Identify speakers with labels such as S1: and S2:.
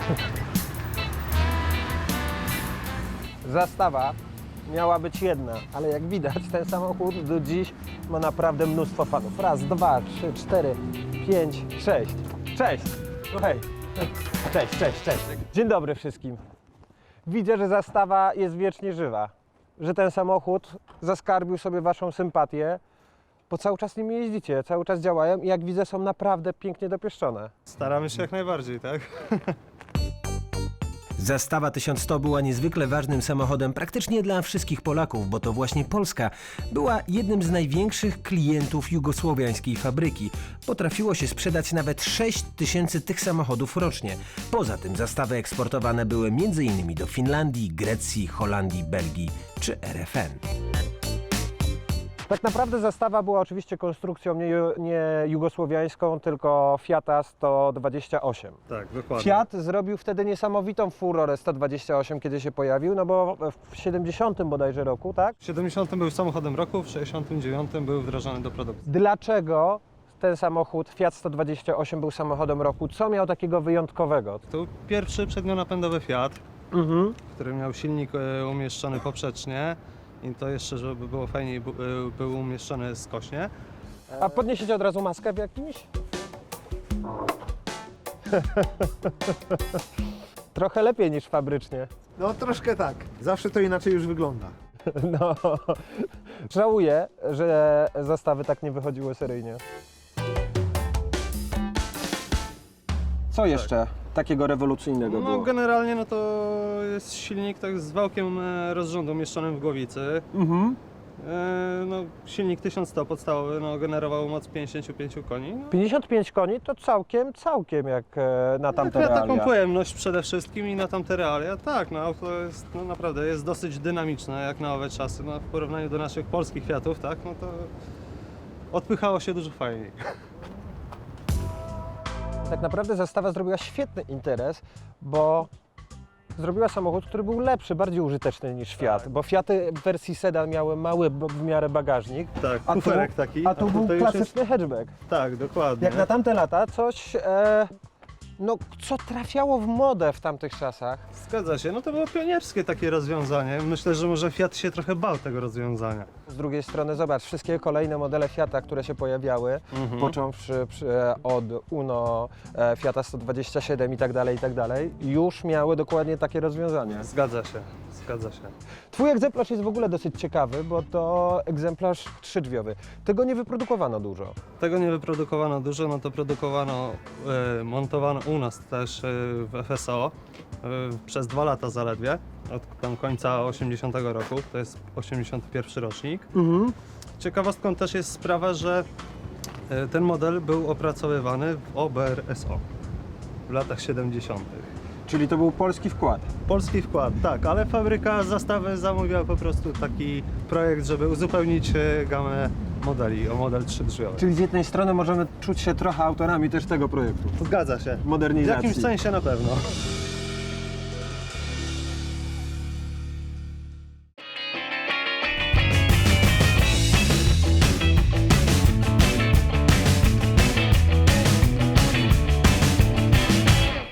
S1: Zastawa miała być jedna, ale jak widać ten samochód do dziś ma naprawdę mnóstwo fanów. Raz, dwa, trzy, cztery, pięć, sześć. Cześć! Hej! Cześć, cześć, cześć. Dzień dobry wszystkim. Widzę, że zastawa jest wiecznie żywa. Że ten samochód zaskarbił sobie waszą sympatię, bo cały czas nimi jeździcie, cały czas działają i jak widzę są naprawdę pięknie dopieszczone.
S2: Staramy się jak najbardziej, tak?
S3: Zastawa 1100 była niezwykle ważnym samochodem praktycznie dla wszystkich Polaków, bo to właśnie Polska była jednym z największych klientów jugosłowiańskiej fabryki. Potrafiło się sprzedać nawet 6 000 tych samochodów rocznie. Poza tym zastawy eksportowane były m.in. do Finlandii, Grecji, Holandii, Belgii czy RFN.
S1: Tak naprawdę zastawa była oczywiście konstrukcją nie jugosłowiańską, tylko Fiata 128.
S2: Tak, dokładnie.
S1: Fiat zrobił wtedy niesamowitą furorę 128, kiedy się pojawił, no bo w 70 bodajże roku, tak?
S2: W 70 był samochodem roku, w 69 był wdrażany do produkcji.
S1: Dlaczego ten samochód Fiat 128 był samochodem roku? Co miał takiego wyjątkowego?
S2: To był pierwszy przednionapędowy Fiat, który miał silnik umieszczony poprzecznie i to jeszcze, żeby było fajniej, był umieszczony skośnie.
S1: A podniesiecie od razu maskę w jakimś? Trochę lepiej niż fabrycznie.
S4: No troszkę tak. Zawsze to inaczej już wygląda.
S1: No, żałuję, że zastawy tak nie wychodziły seryjnie. Co jeszcze takiego rewolucyjnego
S2: No
S1: było?
S2: generalnie no to jest silnik tak z wałkiem rozrządu umieszczonym w głowicy. No, silnik 1100 podstawowy, no, generował moc 55 koni. No,
S1: 55 koni to całkiem jak na tamte
S2: ja taką
S1: realia.
S2: pojemność przede wszystkim i na tamte realia. Tak, no auto jest no, naprawdę jest dosyć dynamiczne jak na owe czasy. No, w porównaniu do naszych polskich Fiatów, tak, no to odpychało się dużo fajniej.
S1: Tak naprawdę zastawa zrobiła świetny interes, bo zrobiła samochód, który był lepszy, bardziej użyteczny niż Fiat, bo Fiaty w wersji sedan miały mały w miarę bagażnik,
S2: Tak,
S1: a
S2: kuferek taki.
S1: a tu był
S2: to już jest-
S1: klasyczny hatchback.
S2: Tak, dokładnie.
S1: Jak na tamte lata coś, no, co trafiało w modę w tamtych czasach.
S2: Zgadza się, no to było pionierskie takie rozwiązanie. Myślę, że może Fiat się trochę bał tego rozwiązania.
S1: Z drugiej strony zobacz, wszystkie kolejne modele Fiata, które się pojawiały, począwszy od Uno, Fiata 127 i tak dalej, już miały dokładnie takie rozwiązania.
S2: Zgadza się, zgadza się.
S1: Twój egzemplarz jest w ogóle dosyć ciekawy, bo to egzemplarz trzydrzwiowy. Tego nie wyprodukowano dużo.
S2: Tego nie wyprodukowano dużo, no to produkowano, montowano u nas też w FSO przez 2 lata zaledwie, od tam końca 80 roku, to jest 81 rocznik. Ciekawostką też jest sprawa, że ten model był opracowywany w OBR SO w latach 70.
S1: Czyli to był polski wkład.
S2: Polski wkład, tak, ale fabryka zastawy zamówiła po prostu taki projekt, żeby uzupełnić gamę modeli o model trzydrzwiowy.
S1: Czyli z jednej strony możemy czuć się trochę autorami też tego projektu.
S2: Zgadza się. W
S1: Modernizacji.
S2: jakimś sensie na pewno.